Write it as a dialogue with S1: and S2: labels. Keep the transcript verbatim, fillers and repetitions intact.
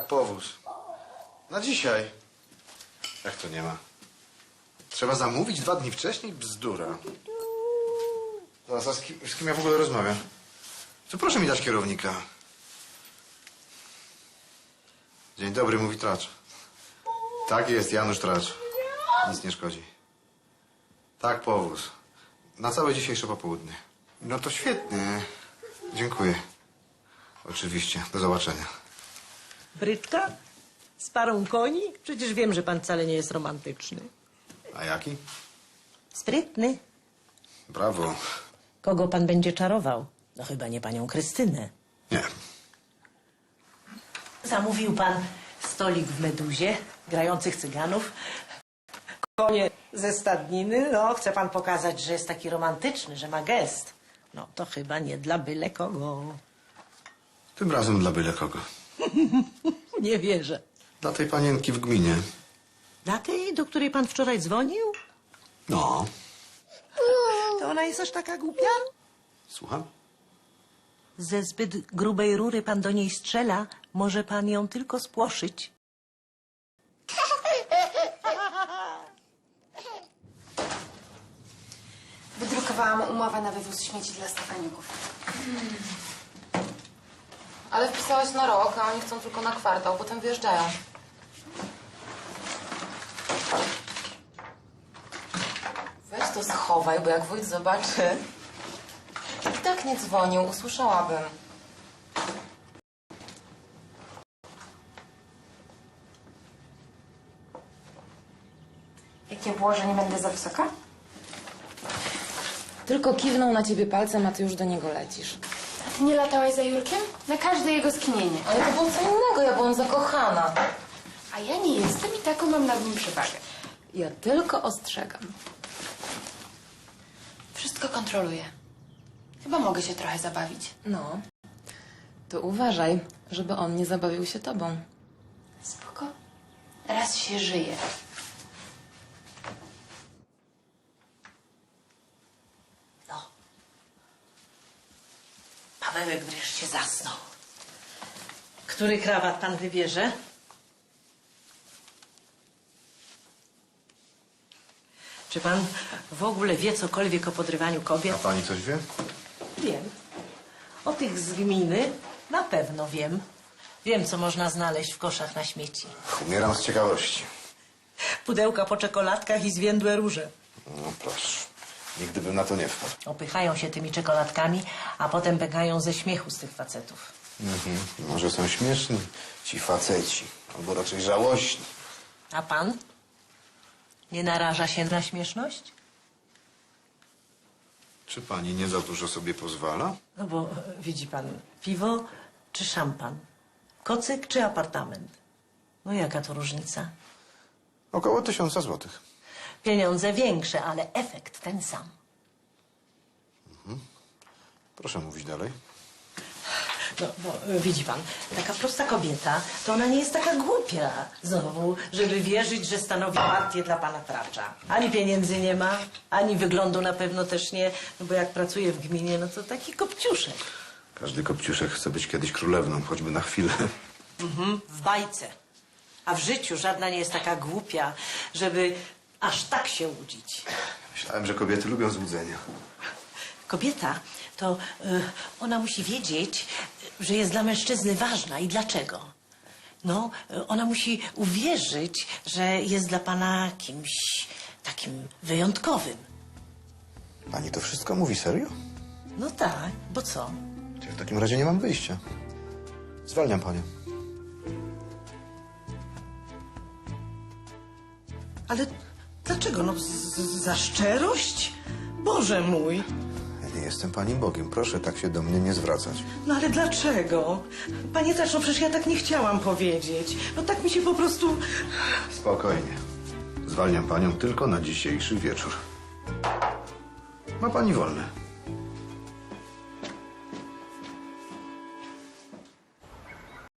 S1: powóz. Na dzisiaj. Jak to nie ma? Trzeba zamówić dwa dni wcześniej? Bzdura. Zaraz, a z kim, z kim ja w ogóle rozmawiam? To proszę mi dać kierownika. Dzień dobry, mówi Tracz. Tak jest, Janusz Tracz. Nic nie szkodzi. Tak, powóz. Na całe dzisiejsze popołudnie. No to świetnie. Dziękuję. Oczywiście. Do zobaczenia.
S2: Bryczka? Z parą koni? Przecież wiem, że pan wcale nie jest romantyczny.
S1: A jaki?
S2: Sprytny.
S1: Brawo.
S2: Kogo pan będzie czarował? No chyba nie panią Krystynę.
S1: Nie.
S2: Zamówił pan stolik w Meduzie, grających cyganów, konie ze stadniny. No, chce pan pokazać, że jest taki romantyczny, że ma gest. No, to chyba nie dla byle kogo.
S1: Tym razem dla byle kogo.
S2: Nie wierzę.
S1: Dla tej panienki w gminie.
S2: Dla tej, do której pan wczoraj dzwonił?
S1: No.
S2: To ona jest aż taka głupia?
S1: Słucham?
S2: Ze zbyt grubej rury pan do niej strzela, może pan ją tylko spłoszyć.
S3: Wydrukowałam umowę na wywóz śmieci dla Stefaniuków.
S4: Hmm. Ale wpisałaś na rok, a oni chcą tylko na kwartał, potem wyjeżdżają. Weź to schowaj, bo jak wójt zobaczy... I tak nie dzwonił, usłyszałabym.
S3: Jakie było, że nie będę za wysoka?
S4: Tylko kiwnął na ciebie palcem, a ty już do niego lecisz.
S3: A ty nie latałaś za Jurkiem? Na każde jego skinienie.
S4: Ale to było co innego, ja byłam zakochana.
S3: A ja nie jestem i taką mam nad nim przewagę.
S4: Ja tylko ostrzegam.
S3: Wszystko kontroluję. Chyba mogę się trochę zabawić.
S4: No, to uważaj, żeby on nie zabawił się tobą.
S3: Spoko. Raz się żyje.
S2: No. Pawełek wreszcie zasnął. Który krawat pan wybierze? Czy pan w ogóle wie cokolwiek o podrywaniu kobiet?
S1: A pani coś wie?
S2: Wiem. O tych z gminy na pewno wiem. Wiem, co można znaleźć w koszach na śmieci.
S1: Umieram z ciekawości.
S2: Pudełka po czekoladkach i zwiędłe róże.
S1: No proszę. Nigdy bym na to nie wpadł.
S2: Opychają się tymi czekoladkami, a potem biegają ze śmiechu z tych facetów.
S1: Mhm. Może są śmieszni ci faceci. Albo raczej żałośni.
S2: A pan? Nie naraża się na śmieszność?
S1: Czy pani nie za dużo sobie pozwala?
S2: No bo e, widzi pan, piwo czy szampan? Kocyk czy apartament? No jaka to różnica?
S1: Około tysiąca złotych.
S2: Pieniądze większe, ale efekt ten sam.
S1: Proszę mówić dalej.
S2: No, bo e, widzi pan, taka prosta kobieta, to ona nie jest taka głupia znowu, żeby wierzyć, że stanowi partię dla pana Tracza. Ani pieniędzy nie ma, ani wyglądu na pewno też nie, no bo jak pracuje w gminie, no to taki kopciuszek.
S1: Każdy kopciuszek chce być kiedyś królewną, choćby na chwilę.
S2: Mhm, w bajce. A w życiu żadna nie jest taka głupia, żeby aż tak się łudzić.
S1: Myślałem, że kobiety lubią złudzenia.
S2: Kobieta, to y, ona musi wiedzieć, że jest dla mężczyzny ważna. I dlaczego? No, y, ona musi uwierzyć, że jest dla pana kimś takim wyjątkowym.
S1: Pani to wszystko mówi serio?
S2: No tak, bo co?
S1: Ja w takim razie nie mam wyjścia. Zwalniam panią.
S2: Ale dlaczego? No, z, z, za szczerość? Boże mój!
S1: Ja nie jestem pani Bogiem. Proszę tak się do mnie nie zwracać.
S2: No ale dlaczego? Panie Tracz, no przecież ja tak nie chciałam powiedzieć. No tak mi się po prostu...
S1: Spokojnie. Zwalniam panią tylko na dzisiejszy wieczór. Ma pani wolne.